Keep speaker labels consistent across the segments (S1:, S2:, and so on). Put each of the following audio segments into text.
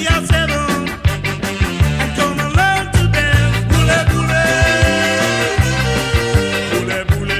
S1: are seven and gonna learn to dance. Bule bule, bule bule,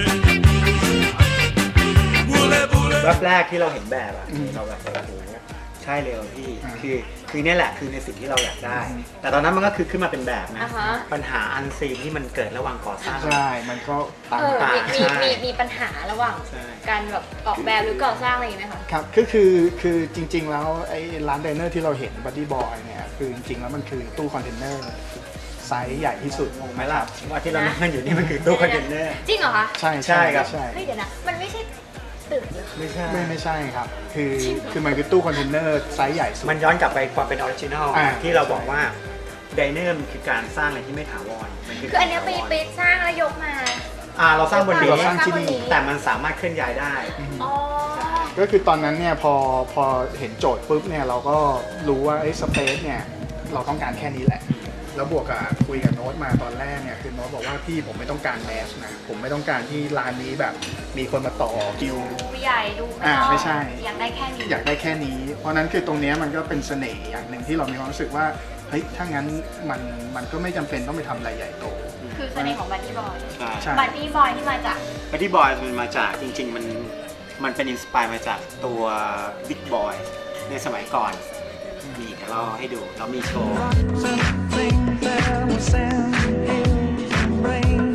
S1: bule bule.
S2: แวบแรกที่เราเห็นแบบอะเราแบบโอ้โหใช่เลยพี่คือเนี่ยแหละคือในสิ่งที่เราอยากได้ แต่ตอนนั้นมันก็คือขึ้นมาเป็นแบบนะ
S3: อ่าฮะ
S2: ปัญหาอันซีนที่มันเกิดระหว่างก่อสร้าง
S4: ใช่มันก็ต่าง
S2: ต่าง
S3: มีปัญหาระหว่าง
S2: ใช่
S3: การแบบออกแบบหรือก่อสร้างอะไรอย่างเงี้ยไหมคะ
S4: ครับคือจริง ๆ แล้วไอ้ร้านไดเนอร์ที่เราเห็นบัดดี้บอยเนี่ยคือจริงๆแล้วมันคือตู้คอนเทนเนอร์ไซส์ใหญ่ที่สุด
S2: งงไหมล่ะว่าที่เรานั่งอยู่นี่มันคือตู้คอนเทนเนอร์
S3: จริงเหรอคะ
S4: ใช่
S2: ใช่ครับ
S4: ใช่
S3: เฮ้ยเดี๋ยวนะมันไม่ใช่ตึกเหรอ
S2: ไม่ใช่
S4: ไม่ใช่ครับคือมันคือตู้คอนเทนเนอร์ไซส์ใหญ่สุด
S2: มันย้อนกลับไปความเป็นออริจินอล
S4: อ่า
S2: ที่เราบอกว่าไดเนอร์มันคือการสร้างอะไรที่ไม่ถาวรมัน
S3: คืออันเนี้ยไปสร้างแล้วยกมา
S2: เราสร้างบนนี้
S4: เราสร้างที่นี่
S2: แต่มันสามารถเคลื่อนย้ายได้
S3: อ๋อ
S4: ก็คือตอนนั้นเนี่ยพอเห็นโจทย์ปุ๊บเนี่ยเราก็รู้ว่าสเปซเนี่ยเราต้องการแค่นี้แหละ แล้วบวกกับคุยกับโน้ตมาตอนแรกเนี่ยคือโน้ตบอกว่าพี่ผมไม่ต้องการแมสนะผมไม่ต้องการที่ร้านนี้แบบมีคนมาต่อคิว
S3: ดูใหญ่ดูไม่ต้อง
S4: ไม่ใช่
S3: อยากได้แค่นี้
S4: อยากได้แค่นี้ เพราะนั้นคือตรงเนี้ยมันก็เป็นเสน่ห์อย่างหนึ่งที่เรามีความรู้สึกว่าเฮ้ยถ้างั้นมันก็ไม่จำเป็นต้องไปทำอะไรใหญ่โต
S3: คือเสน่ห์ของบัดดี้บอย
S4: ใช่
S3: บัดดี้บอยที่มาจาก
S2: บัดดี้บอยมันมาจากจริง ๆ มันเป็นอินสปายมาจากตัวบิ๊กบอยในสมัยก่อนมีเดี๋ยวเราให้ดูเรามีโชว์
S1: Something that will send in rain.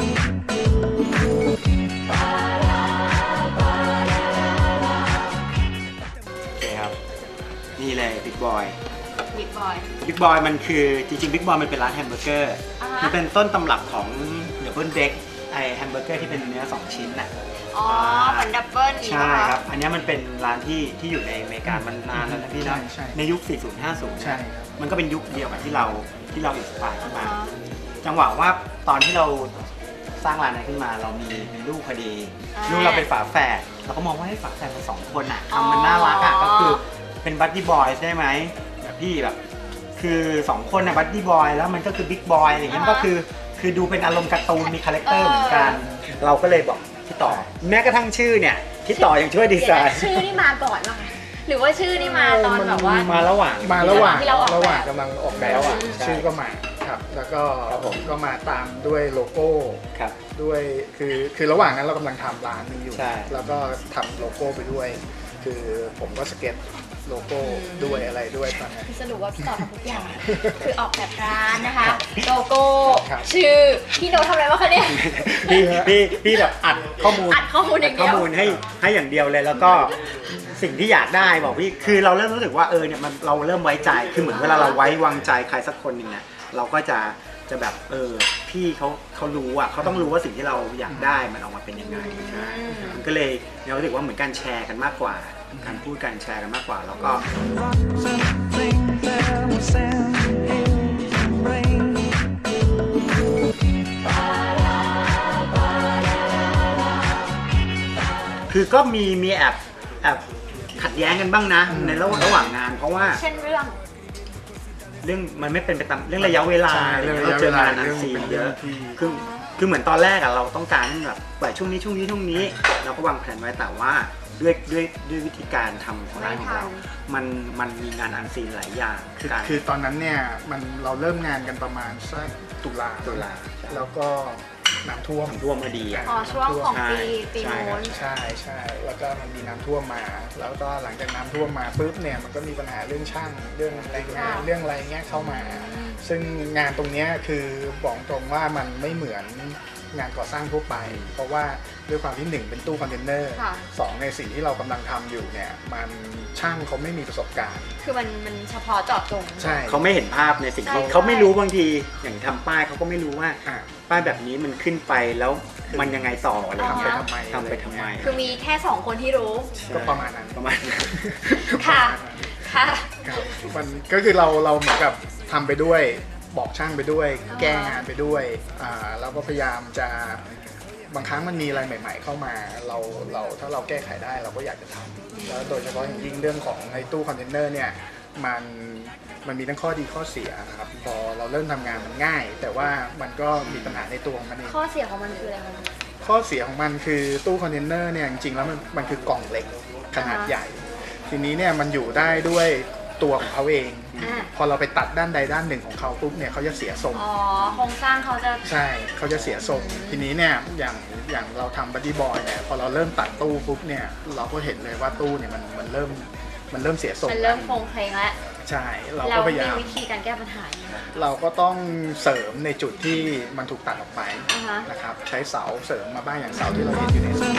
S2: โอเคครับ นี่เลยบิ๊กบอย
S3: บิ๊กบอย
S2: บิ๊กบอยมันคือจริงๆบิ๊กบอยมันเป็นร้านแฮมเบอร์เกอร์
S3: อ่าฮะ
S2: มันเป็นต้นตำรับของเดอะเบิลเด็กไอแฮมเบอร์เกอร์ที่เป็นเนื้อ 2 ชิ้นน่ะ
S3: อ๋อเหมือนดับเบิลอย่าง
S2: ใช่
S3: นี้ป่ะ
S2: ค
S3: คะ
S2: รับ อันเนี้ยมันเป็นร้านที่อยู่ในอเมริกามันนานแล้วนะพี่นะ
S4: ใช่
S2: ในยุค 40 50
S4: ใช่ครับ
S2: มันก็เป็นยุคเดียวกับที่เราอินสปายขึ้นมา
S3: อ๋อ
S2: จังหวะว่าตอนที่เราสร้างร้านนี้ขึ้นมาเรามีลูกพอดี ลูกเราเป็นฝาแฝดเราก็มองว่าให้ฝาแฝดมัน2 คนอ่ะทำมันน่ารักอ่ะก็คือเป็นบัดดี้บอยได้ไหมแบบพี่แบบคือ2 คนน่ะบัดดี้บอยแล้วมันก็คือบิ๊กบอยอะไรเงี้ยก็คือดูเป็นอารมณ์การ์ตูนมีคาแรคเตอร์เหมือนกัน เราก็เลยบอกพี่ต่อแม้กระทั่งชื่อเนี่ยพี่ต่อยังช่วยดีไซ
S3: เดี๋ยว
S2: น์
S3: นะชื่อนี่มาก่อนป่ะคะหรือว่าชื่อนี่มาตอนแบบว่า
S2: มาระหว่าง
S3: ที่เราออกแบบ
S4: ระหว่างกำลังออกแบบ
S2: ระหว่าง
S4: ชื่อก็มาครับแล้วก็
S2: ครับผม
S4: ก็มาตามด้วยโลโก้
S2: ครับ
S4: ด้วยคือระหว่างนั้นเรากำลังทำร้านนี้อยู่
S2: ใช่
S4: แล้วก็ทำโลโก้ไปด้วย คือผมก็สเก็ตโลโก้ด้วยอะไรด้วยตอนนั้น
S3: คือสรุปว่าพี่ต่อทำทุกอย่าง คือออกแบบร้านนะคะ โลโก้
S4: ครับ
S3: ชื่อ พี่โน้ตทำอะไรวะคะเนี่ย
S2: พี่แบบอัดข้อมูล
S3: อัดข้อมูลอย่างเดียว
S2: ข้อมูลให้อย่างเดียวเลยแล้วก็สิ่งที่อยากได้บอกพี่คือเราเริ่มรู้สึกว่าเนี่ยมันเราเริ่มไว้ใจคือเหมือนเวลาเราไว้วางใจใครสักคนหนึ่งเนี่ยเราก็จะแบบพี่เขารู้อ่ะเขาต้องรู้ว่าสิ่งที่เราอยากได้มันออกมาเป็นยังไงใช่มันก็เลยเรารู้สึกว่าเหมือนการแชร์กันมากกว่าการพูดกันแชร์กันมากกว่าแล้วก็
S1: Something that will send in rain.
S2: คือก็มีแอบขัดแย้งกันบ้างนะในระหว่างงาน เพราะว่า
S3: เช่นเรื่อง
S2: เรื่องมันไม่เป็นไปตามเรื่องระยะเวลา
S4: ใช่เรื่องระยะ
S2: เจองาน
S4: เวลา
S2: อันซีนเยอะ
S4: ที่
S2: คือเหมือนตอนแรกอะเราต้องการแบบปล่อยช่วงนี้เราก็วางแผนไว้แต่ว่าด้วยวิธีการทำของร้านของเรา มันมีงานอันซีนหลายอย่าง
S4: คือตอนนั้นเนี่ยเราเริ่มงานกันประมาณสักตุลา แล้วก็น้ำท่วม
S2: ร่วมมาดีอะ
S3: อ๋อช่วงของปี
S2: ใช่
S3: โน้น
S4: ใช่แล้วก็มันมีน้ำท่วมมา แล้วก็หลังจากน้ำท่วมมาปุ๊บเนี่ยมันก็มีปัญหาเรื่องช่างเรื่องแรงงานเรื่องอะไรเงี้ยเข้ามา ซึ่งงานตรงเนี้ยคือบอกตรงว่ามันไม่เหมือนงานก่อสร้างทั่วไป เพราะว่าด้วยความที่หนึ่งเป็นตู้คอนเทนเนอร์
S3: ค่ะ
S4: สองในสิ่งที่เรากำลังทำอยู่เนี่ยมันช่างเขาไม่มีประสบการณ์
S3: คือมันเฉพาะเจาะจง
S4: ใช่
S2: เขาไม่เห็นภาพในสิ่งที่
S3: ใช่
S2: เขาไม่รู้บางทีอย่างทำป้ายเขาก็ไม่รู้ว่า
S4: อ่ะ
S2: ป้ายแบบนี้มันขึ้นไปแล้วมันยังไงต่ออะไร
S4: ทำไป
S2: เงี้ย
S4: ทำไม
S2: ทำไปทำไม
S3: คือมีแค่2 คนที่รู้
S4: ก็ประมาณนั้น
S2: ประมาณนั้น
S3: ค่ะ ค่ะ
S4: ครับมันก็คือเราเหมือนกับทำไปด้วยบอกช่างไปด้วย แก้งานไปด้วยเราก็พยายามจะบางครั้งมันมีอะไรใหม่ ๆ เข้ามาเราถ้าเราแก้ไขได้เราก็อยากจะทำแล้วโดยเฉพาะอย่างยิ่งเรื่องของในตู้คอนเทนเนอร์เนี่ยมันมีทั้งข้อดีข้อเสียครับพอเราเริ่มทำงานมันง่าย แต่ว่ามันก็มีปัญหาในตัวของมันเอง
S3: ข้อเสียของมันคืออะไรคะ
S4: ข้อเสียของมันคือตู้คอนเทนเนอร์เนี่ยจริงๆแล้วมันคือกล่องเล็กขนาดใหญ่ ทีนี้เนี่ยมันอยู่ได้ด้วยตัวของเขาเอง
S3: อ่า
S4: พอเราไปตัดด้านใดด้านหนึ่งของเขาปุ๊บเนี่ยเขาจะเสียทรง
S3: อ๋อโครงสร้างเขาจะ
S4: ใช่เขาจะเสียทรงทีนี้เนี่ยอย่างเราทำบัดดี้บอยเนี่ยพอเราเริ่มตัดตู้ปุ๊บเนี่ยเราก็เห็นเลยว่าตู้เนี่ยมันเริ่มเสียทรง
S3: มันเริ่มโครงเพลงแล้ว
S4: ใช่เรา
S3: เรา
S4: ก็พยา
S3: มี
S4: ยาม
S3: วิธีการแก้ปัญหายังไง
S4: เราก็ต้องเสริมในจุดที่มันถูกตัดออกไป
S3: อ่าฮะ
S4: นะครับใช้เสาเสริมมาบ้างอย่างเสาที่เราเห็นอยู่ในสวน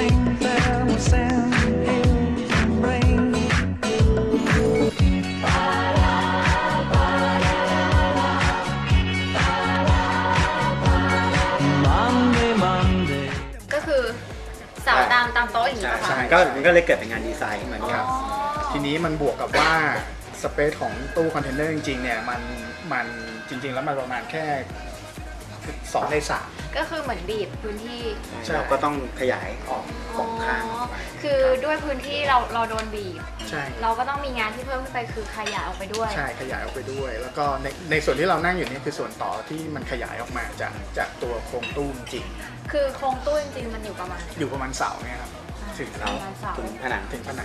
S3: ก็คือเสาตามโต๊ะอย่างนี้
S2: ใช่
S3: ป่ะ
S2: ใช่
S3: คะ
S2: ก็มันก็เลยเกิดเป็นงานดีไซน์ขึ้นมา
S4: ครับ
S3: อ๋อ
S4: ทีนี้มันบวกกับว่าสเปซของตู้คอนเทนเนอร์จริงๆเนี่ยมันจริงๆแล้วมันประมาณแค่2 ใน 3
S3: ก็คือเหมือนบีบพื้นที่
S4: ใช่
S2: เราก็ต้องขยายออกสองข้างออกไป
S3: คือด้วยพื้นที่เราโดนบีบ
S4: ใช่
S3: เราก็ต้องมีงานที่เพิ่มขึ้นไปคือขยายออกไปด้วย
S4: ใช่ขยายออกไปด้วย แล้วก็ในส่วนที่เรานั่งอยู่นี่คือส่วนต่อที่มันขยายออกมาจากตัวโครงตู้จริง
S3: คือโครงตู้จริงๆมันอยู่ประมาณไหน
S4: อยู่ประมาณเสาเนี่ยครับถึง
S3: ป
S4: เรา
S3: ระมาณเสา
S2: ถึงผนัง
S4: ถึงผนัง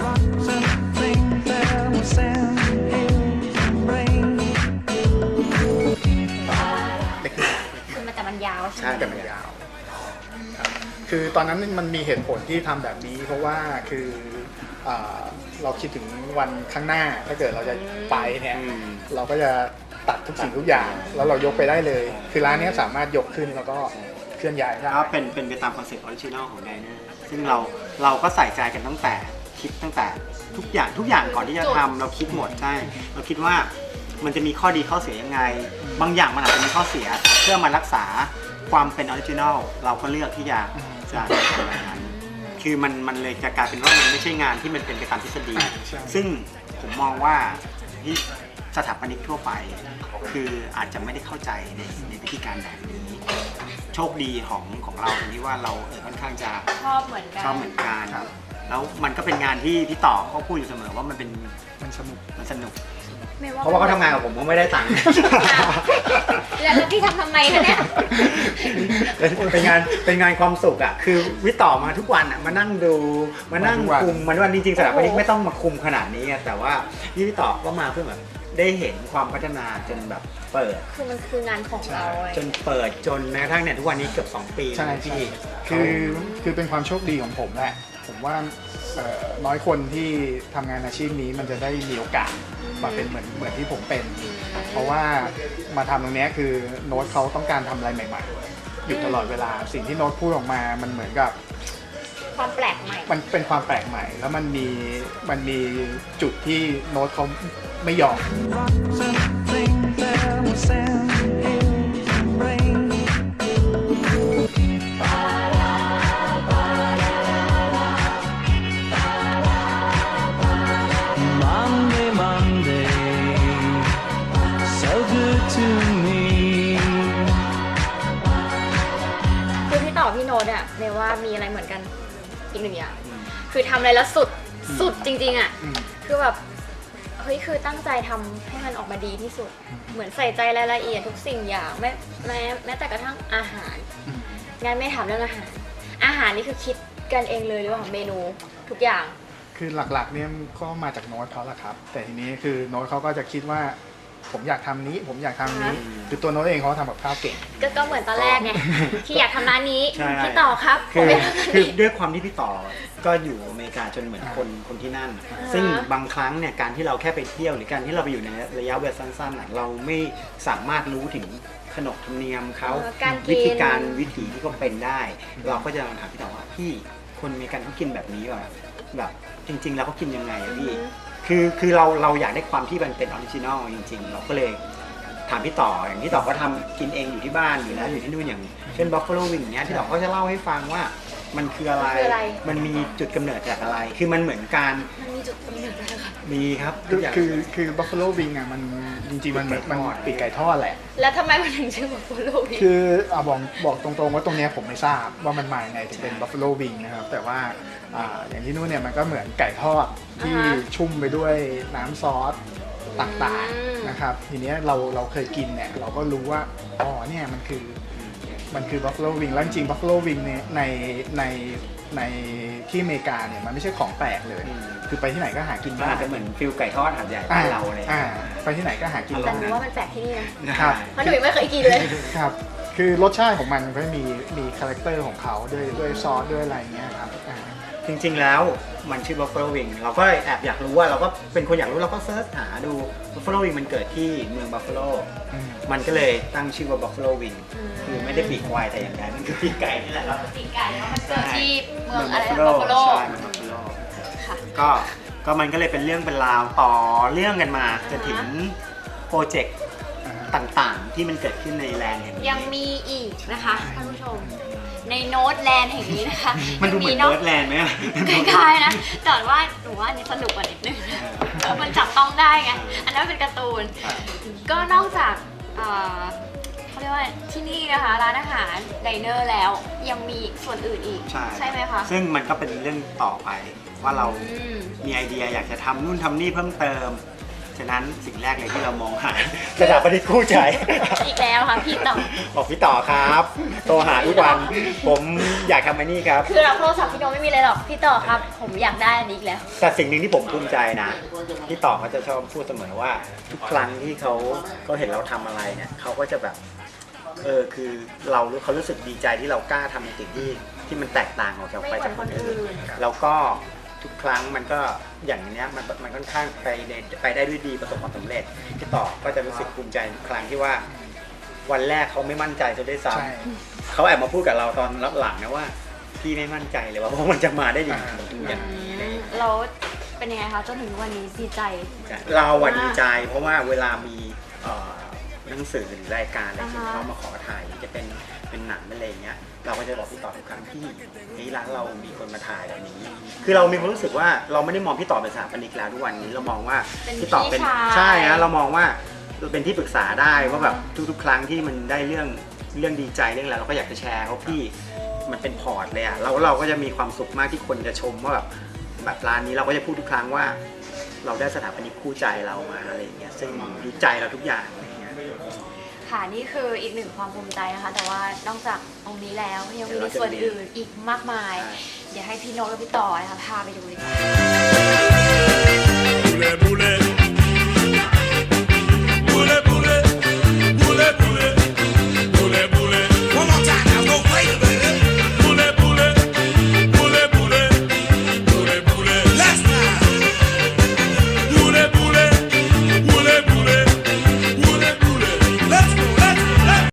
S4: เล็กน้อย
S3: คือมันแต่มันยาวใช่
S2: ใช่
S3: ไหม
S4: แต่มันยาวครับคือตอนนั้นมันมีเหตุผลที่ทำแบบนี้ เพราะว่าคือเราคิดถึงวันข้างหน้าถ้าเกิดเราจะไปเนี่ย
S2: อืม
S4: เราก็จะตัดทุกสิ่งทุกอย่าง แล้วเรายกไปได้เลย คือร้านนี้สามารถยกขึ้นแล้วก็เคลื่อนย้ายได้
S2: ก็เป็นไปตามคอนเซ็ปต์ออริจินอลของไดเนอร์ซึ่งเราก็ใส่ใจกันตั้งแต่ทุกอย่างก่อนที่จะทำเราคิดหมดใช่เราคิดว่ามันจะมีข้อดีข้อเสียยังไง บางอย่างมันอาจจะมีข้อเสียเพื่อมารักษาความเป็นออริจินอลเราก็เลือกที่จะทำแบบนั้น คือมันเลยจะกลายเป็นว่ามันไม่ใช่งานที่มันเป็นไปตามทฤษฎี
S4: ใช่
S2: ซึ่งผมมองว่าที่สถาปนิกทั่วไป คืออาจจะไม่ได้เข้าใจในวิธีการแบบนี้ โชคดีของเราตรงที่ว่าเราค่อนข้างจะ
S3: ชอบเหมือนกัน
S2: ชอบเหมือนกันแล้วมันก็เป็นงานที่พี่ต่อเขาพูดอยู่เสมอว่ามันสนุก
S3: ไม่
S2: เพราะว่าเขาทำงานกับผมเขาไม่ได้ตังค์
S3: แล้วพี่ทำทำไมคะเนี่ย
S2: เป็นงานความสุขอ่ะคือวิต่อมาทุกวันอ่ะมานั่งดูมานั่งคุมมันวันจริงๆสถาปนิกไม่ต้องมาคุมขนาดนี้ไงแต่ว่าพี่ต่อก็มาเพื่อแบบได้เห็นความพัฒนาจนแบบเปิด
S3: คือมันคืองานของเราไง
S2: จนเปิดจนแม้กระทั่งเนี่ยทุกวันนี้เกือบ2 ปี
S4: ใช่
S2: พี่
S4: คือเป็นความโชคดีของผมแหละ ผมว่าน้อยคนที่ทำงานอาชีพนี้มันจะได้มีโอกาสมาเป็นเหมือนที่ผมเป็น เพราะว่ามาทำตรงนี้คือโน้ตเขาต้องการทำอะไรใหม่ๆ อยู่ตลอดเวลาสิ่งที่โน้ตพูดออกมามันเหมือนกับ
S3: ความแปลกใหม่
S4: มันเป็นความแปลกใหม่ แล้วมันมีจุดที่โน้ตเขาไม่ยอม
S3: คือพี่ต่อพี่โน้ตเนี่ยเนยว่ามีอะไรเหมือนกันอีกหนึ่งอย่าง คือทำอะไรแล้วสุดจริงๆอ่ะ คือแบบเฮ้ยคือตั้งใจทำให้มันออกมาดีที่สุด เหมือนใส่ใจรายละเอียดทุกสิ่งอย่างแม้แต่กระทั่งอาหารงานไม่ถามเรื่องอาหาร อาหารนี่คือคิดกันเองเลยหรือเปล่าเมนูทุกอย่าง
S4: คือหลักๆเนี่ยก็มาจากโน้ตเขาแหละครับ แต่ทีนี้คือโน้ตเขาก็จะคิดว่าผมอยากทำนี้ ผมอยากทำนี้ คือตัวโน้ตเองเขาทำกับข้าวเก่ง
S3: ก็เหมือนตอนแรกไง ที่อยากทำร้านนี้
S2: ใช่
S3: พี่ต่อครับผ
S2: คื
S3: ม
S2: อ
S3: ไม่ทำร้าน
S2: คือ
S3: นี้
S2: ด้วยความที่พี่ต่อก็อยู่อเมริกาจนเหมือนคนที่นั่น ซึ่งบางครั้งเนี่ยการที่เราแค่ไปเที่ยวหรือการที่เราไปอยู่ในระยะเวลาสั้นๆน่ะเราไม่สามารถรู้ถึงขนบธรรมเนียมเขา
S3: การกิน
S2: วิธีการวิถีที่เขาเป็นได้ เราก็จะถามพี่ต่อว่าพี่คนอเมริกันเขากินแบบนี้ว่ะแบบจริงๆแล้วเขากินยังไงอะพี่คือเราอยากได้ความที่มันเป็นออริจินอลจริงๆ เราก็เลยถามพี่ต่ออย่างที่ต่อก็ทำกินเองอยู่ที่บ้านอยู่แล้วอยู่ที่นู่นอย่างเช่น Buffalo Wing อย่างเงี้ยที่ต่อก็จะเล่าให้ฟังว่ามันคืออะไร มันมีจุดกำเนิดจากอะไร คือมันเหมือนการ
S3: มันมีจุดกำเนิดอะไรคะ
S2: มีครับ
S4: คือ Buffalo Wing อ่ะมันจริงๆมันปีกไก่ทอดแหละ
S3: แล้วทำไมมันถึงชื่อว่าโฟโลวี
S4: คือบอกตรงๆว่าตรงเนี้ยผมไม่ทราบว่ามันมายังไงถึงเป็น Buffalo Wing นะครับ แต่ว่าอย่างที่นู่นเนี่ยมันก็เหมือนไก่ทอดที่ชุ่มไปด้วยน้ำซอสต่างๆนะครับ ทีเนี้ยเราเคยกินเนี่ยเราก็รู้ว่าอ๋อเนี่ยมันคือ Buffalo Wing แล้วจริง Buffalo Wing เนี่ยในที่อเมริกาเนี่ยมันไม่ใช่ของแปลกเลยคือไปที่ไหนก็หากิน
S2: มัน
S4: ได้
S2: อาจจะเหมือนฟิลไก่ทอดหาดใหญ่บ้านเราเลย
S4: ไปที่ไหนก็หากิน
S3: แต่
S4: ได้
S3: หนูว่ามันแปลกที่นี่นะครับ เพราะหนูยังไม่เคยกินเลย
S4: ครับคือรสชาติของมันก็มีคาแรคเตอร์ของเขาด้วยซอสด้วยอะไรเงี้ยครับ
S2: จริงๆแล้วมันชื่อ Buffalo Wing เราก็แอบอยากรู้ว่าเราก็เป็นคนอยากรู้เราก็เซิร์ชหาดู Buffalo Wing มันเกิดที่เมือง Buffalo มันก็เลยตั้งชื่อว่า Buffalo Wing คือไม่ได้ปีกควายแต่อย่างใดมันคือปีกไก่นี่แหละครับ
S3: ปีกไก่แล้วมันเกิดที่เมืองอะไรนะ
S2: Buffalo
S3: บัฟฟาโล
S2: ใช่เมือง Buffalo
S3: ค่ะ
S2: ก็มันก็เลยเป็นเรื่องเป็นราวต่อเรื่องกันมาจนถึงโปรเจกต์ต่างๆ ที่มันเกิดขึ้นในแลนด์แห่งนี้
S3: ยังมีอีกนะคะท่านผู้ชมในโน้ตแลนด์แห่งนี้นะคะ
S2: มันดูเหมือน
S3: นอก
S2: เบิร์ดแลนด์ไหมอะ
S3: คล้ายๆนะแต่ว่าหนูว่าอันนี้สนุกกว่านิดนึงมันจับต้องได้ไงอันนั้นเป็นการ์ตูนก็นอกจากเขาเรียกว่าที่นี่นะคะร้านอาหารไดเนอร์แล้วยังมีส่วนอื่นอีกใช่ไหมคะ
S2: ซึ่งมันก็เป็นเรื่องต่อไปว่าเรา
S3: อืม
S2: มีไอเดียอยากจะทำนู่นทำนี่เพิ่มเติม ฉะนั้นสิ่งแรกเลยที่เรามองหาสถาปนิกคู่ใจ
S3: อีกแล้วค่ะพี่ต่อ
S2: บอกพี่ต่อครับโทรหาทุกวัน ผมอยากทำอันนี้ครับ
S3: คือเราโทรศัพท์พี่โนไม่มีเลยหรอกพี่ต่อครับ ผมอยากได้อันนี้อีกแล้ว
S2: แต่สิ่งหนึ่งที่ผมภูมิใจนะ พี่ต่อเขาจะชอบพูดเสมอว่าทุกครั้งที่เขาเห็นเราทำอะไรเนี่ยเขาก็จะแบบคือเขารู้สึกดีใจที่เรากล้าทำในสิ่งที่มันแตกต่างออกจากไปจากคนอื่น แล้วก็ทุกครั้งมันก็อย่างเนี้ยมันค่อนข้างไปได้ด้วยดีประสบความสำเร็จพี่ต่อก็จะรู้สึกภูมิใจทุกครั้งที่ว่าวันแรกเขาไม่มั่นใจจะได้ซ้ำเขาแอบมาพูดกับเราตอนรับหลังนะว่าพี่ไม่มั่นใจเลยว่ามันจะมาได้อย่างนี้
S3: เราเป็นยังไงคะจนถึงวันนี้ดีใจ
S2: เราอะดีใจเพราะว่าเวลามีหนังสือหรือรายการอะไรที่เขามาขอถ่ายจะเป็นหนังอะไรเงี้ยเราก็จะบอกพี่ต่อทุกครั้งที่ร้านเรามีคนมาถ่ายแบบนี้คือเรามีความรู้สึกว่าเราไม่ได้มองพี่ต่อเป็นสถาปนิกแล้วทุกวันนี้เรามองว่าพี่ต่อเป็นใช่นะเรามองว่าเป็นที่ปรึกษาได้ว่าแบบทุกๆครั้งที่มันได้เรื่องดีใจเรื่องอะไรเราก็อยากจะแชร์เขาพี่มันเป็นพอร์ตเลยอะเราก็จะมีความสุขมากที่คนจะชมว่าแบบร้านนี้เราก็จะพูดทุกครั้งว่าเราได้สถาปนิกคู่ใจเรามาอะไรอย่างเงี้ยซึ่งดีใจเราทุกอย่าง
S3: ค่ะนี่คืออีกหนึ่งความภูมิใจนะคะแต่ว่านอกจากตรงนี้แล้วยังมีส่วนอื่นอีกมากมายเดี๋ยวให้พี่โน้ตและพี่ต่อนะคะพาไปดูเลยค่ะ